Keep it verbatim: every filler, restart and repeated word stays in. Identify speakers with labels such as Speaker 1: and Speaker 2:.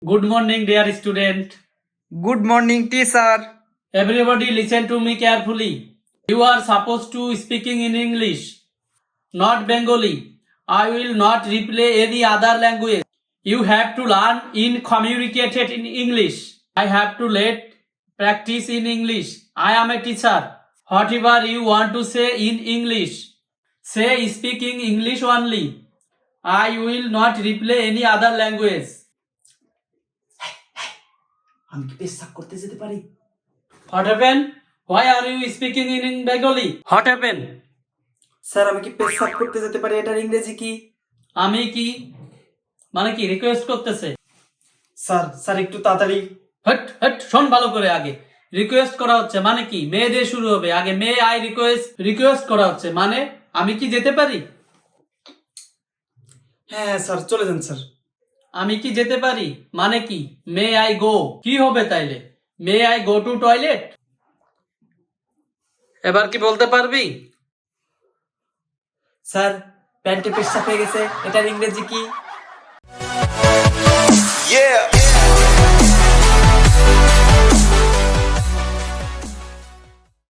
Speaker 1: Good morning, dear student.
Speaker 2: Good morning, teacher.
Speaker 1: Everybody listen to me carefully. You are supposed to speaking in English, not Bengali. I will not replay any other language. You have to learn in communicated in English. I have to let practice in English. I am a teacher. Whatever you want to say in English, say speaking English only. I will not replay any other language.
Speaker 2: আমি কি পেশাব করতে যেতে পারি?
Speaker 1: What happened? Why are you speaking in Bengali? What happened?
Speaker 2: Sir আমি কি পেশাব করতে যেতে পারি? এটার ইংরেজি কি?
Speaker 1: আমি কি মানে কি রিকোয়েস্ট করতেছে?
Speaker 2: স্যার স্যার একটু তাড়াতাড়ি।
Speaker 1: হট হট শোন ভালো করে আগে। রিকোয়েস্ট করা হচ্ছে মানে কি? মে দিয়ে শুরু হবে। আগে মে আই রিকোয়েস্ট রিকোয়েস্ট করা হচ্ছে মানে আমি কি যেতে পারি?
Speaker 2: হ্যাঁ স্যার চলে যান স্যার।
Speaker 1: আমি কি যেতে পারি মানে কি? মে আই গো কি হবে তাইলে? May I go to toilet? এবার কি বলতে পারবি?
Speaker 2: স্যার প্যান্টে পেশাব হয়ে গেছে, এটার ইংরেজি কি?
Speaker 3: Yeah.